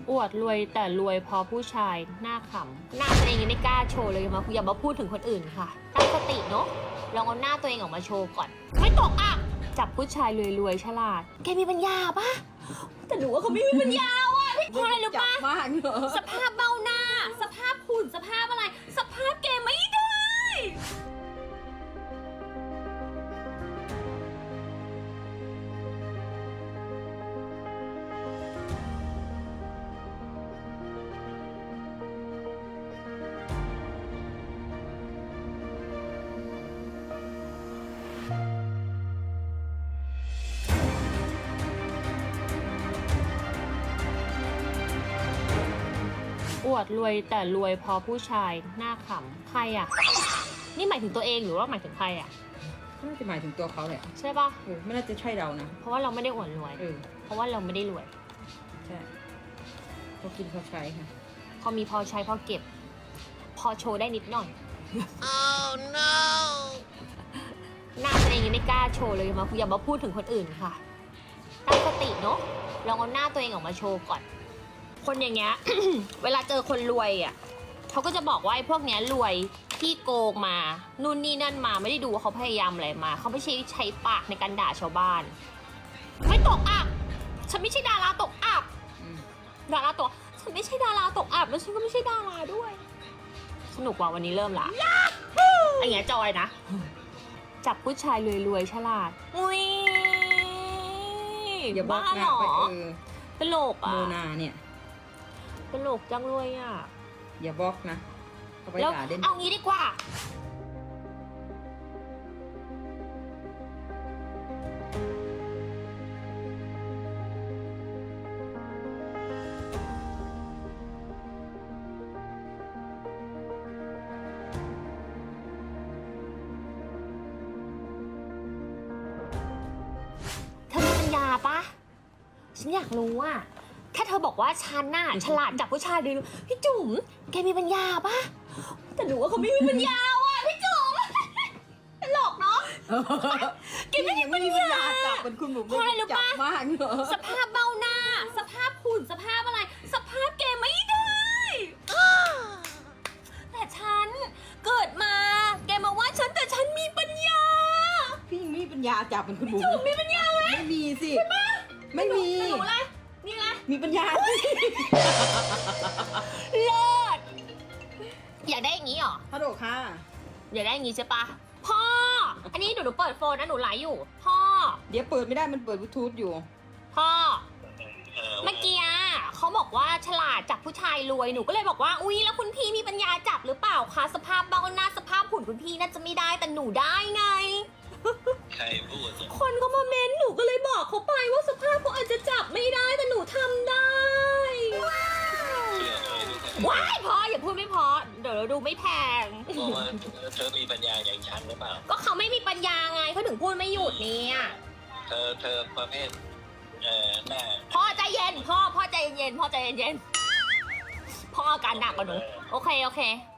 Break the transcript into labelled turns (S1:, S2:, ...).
S1: อวดรวยแต่รวยเพราะผู้ชายหน้าขำหน้าตัวเองยังไม่กล้าโชว์เลยอย่ามาพูดถึงคนอื่นค่ะตั้งสติเนาะลองเอาหน้าตัวเองออกมาโชว์ก่อนไม่ตกอ่ะจับผู้ชายรวยๆฉลาดแกมีปัญญาปะแต่หนูว่าเขาไม่มีปัญญาว่ะพี่พลอยรู้ปะสภาพเบ้าหน้าสภาพหุ่นสภาพอะไรสภาพแกไม่ได้อวดรวยแต่รวยเพราะผู้ชายหน้าขำใครอ่ะนี่หมายถึงตัวเองหรือว่าหมายถึงใครอ่ะ
S2: น่าจะหมายถึงตัวเขาแหละ
S1: ใช่ปะ
S2: ไม่น่าจะใช่เรานะ
S1: เพราะว่าเราไม่ได้อวดรวยเพราะว่าเราไม่ได้รวย
S2: ใช่เขากินเขาใช้ค่ะ
S1: พอมีพอใช้พอเก็บพอโชว์ได้นิดหน่อย oh no หน้าตัวเองยังไม่กล้าโชว์เลยอย่ามาพูดถึงคนอื่นค่ะตั้งสติเนาะลองเอาหน้าตัวเองออกมาโชว์ก่อนคนอย่างเงี้ย เวลาเจอคนรวยอ่ะเขาก็จะบอกว่าไอ้พวกเนี้ยรวยที่โกงมานู่นนี่นั่นมาไม่ได้ดูว่าเขาพยายามอะไรมาเขาไม่ใช่ใช้ปากในการด่าชาวบ้านไม่ตกอับฉันไม่ใช่ดาราตกอับดาราตกฉันไม่ใช่ดาราตกอับแล้วฉันก็ไม่ใช่ดาราด้วยสนุกว่าวันนี้เริ่มละไอ้เงี้ยจอยนะจับผู้ชายรวยๆฉลาดอุ้ย
S2: อย่าบ้า
S1: หรอตลกอ่ะ
S2: โมนาเนี่ย
S1: ตลกจังเลยอ่ะ
S2: อย่าบล็อกนะ
S1: แล้วเอางี้ดีกว่าเธอมีปัญญาปะฉันอยากรู้อ่ะแค่เธอบอกว่าฉันน่ะฉลาดจับผู้ชายดีพี่จุ๋มแกมีปัญญาปะแต่หนูว่าเขาไม่มีปัญญาว่ะพี่จุ๋มตลกเนาะแกไม่มีปัญญา
S2: จับเป็นคุณหมู
S1: พลอยรู้ปะสภาพเบ้าหน้าสภาพหุ่นสภาพอะไรสภาพแกไม่ได้แต่ฉันเกิดมาแกมาว่าฉันแต่ฉันมีปัญญา
S2: พี่ยังไม่มีปัญญาจับเป็นคุณหมู
S1: จุ๋มมีปัญญาไหม
S2: ไม่มีสิไม่มี
S1: หนูอะไรนี่ไง
S2: มีปัญญา
S1: เลิศอยากได้อย่างนี้หรอ
S2: ฮัลโหลค่ะ
S1: อยากได้อย่างนี้ใช่ปะพ่ออันนี้หนูเปิดโฟนนะหนูไลฟ์อยู่พ่อ
S2: เดี๋ยวเปิดไม่ได้มันเปิดบลูทูธอยู่
S1: พ่อเมื่อกี้เขาบอกว่าฉลาดจับผู้ชายรวยหนูก็เลยบอกว่าอุ๊ยแล้วคุณพี่มีปัญญาจับหรือเปล่าคะสภาพเบ้าหน้าสภาพหุ่นคุณพี่น่าจะไม่ได้แต่หนูได้ไง
S3: ใครพูด
S1: คนเขามาเม้นหนูก็เลยบอกเขาไปว่าสภาพเขาอาจจะจับไม่ได้แต่หนูทำได้ว้ายพออย่าพูดไม่พอเดี๋ยวเราดูไม่แพง
S3: เพราะว่าเธอมีปัญญาอย่างฉันหรือเปล่า
S1: ก็เขาไม่มีปัญญาไงเขาถึงพูดไม่หยุดเนี่ย
S3: เธอประเภทหน้า
S1: พ่อใจเย็นพ่อใจเย็นพ่อใจเย็นพ่ออาการหนักกว่าหนูโอเค